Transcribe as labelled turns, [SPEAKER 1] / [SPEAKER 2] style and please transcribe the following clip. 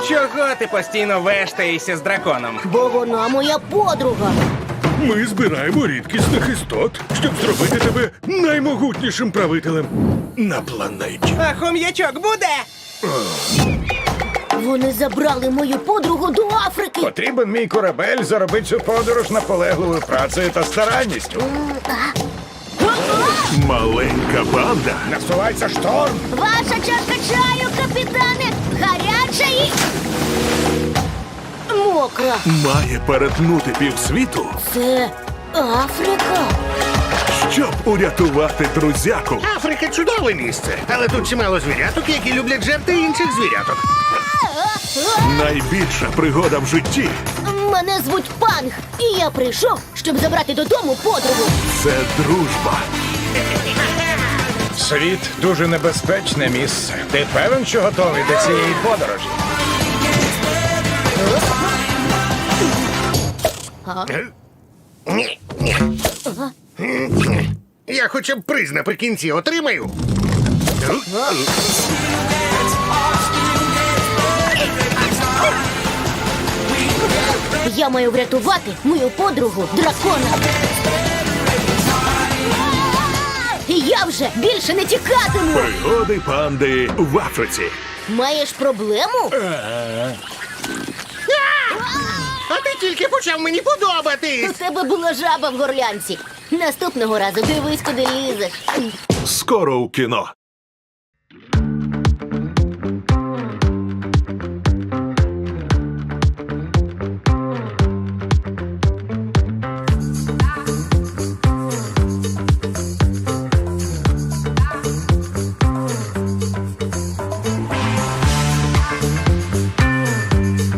[SPEAKER 1] Чого ти постійно вештаєшся з драконом?
[SPEAKER 2] Бо вона моя подруга.
[SPEAKER 3] Ми збираємо рідкісних істот, щоб зробити тебе наймогутнішим правителем на планеті.
[SPEAKER 1] А хом'ячок буде?
[SPEAKER 2] Вони забрали мою подругу до Африки.
[SPEAKER 4] Потрібен мій корабель заробити цю подорож наполегливою працею та старанністю.
[SPEAKER 3] Маленька банда
[SPEAKER 4] Насувається шторм.
[SPEAKER 2] Ваша чашка чаю, капітане, гаряча і мокра.
[SPEAKER 3] має перетнути півсвіту,
[SPEAKER 2] Це Африка.
[SPEAKER 3] щоб урятувати друзяку.
[SPEAKER 5] Африка чудове місце, але тут чимало звіряток, які люблять жерти інших звіряток.
[SPEAKER 3] Найбільша пригода в житті
[SPEAKER 2] Мене звуть Панг, і я прийшов, щоб забрати додому подругу.
[SPEAKER 3] – це дружба.
[SPEAKER 4] Світ дуже небезпечне місце. Ти певен, що готовий до цієї подорожі?
[SPEAKER 5] Ні, ні. Я хоча б приз наприкінці отримаю.
[SPEAKER 2] Я маю врятувати мою подругу дракона. І я вже більше не тікатиму.
[SPEAKER 3] Пригоди панди в Африці.
[SPEAKER 2] Маєш проблему?
[SPEAKER 5] А ти тільки почав мені подобатись.
[SPEAKER 2] У тебе була жаба в горлянці. Наступного разу дивись, куди лізеш.
[SPEAKER 3] Скоро у кіно.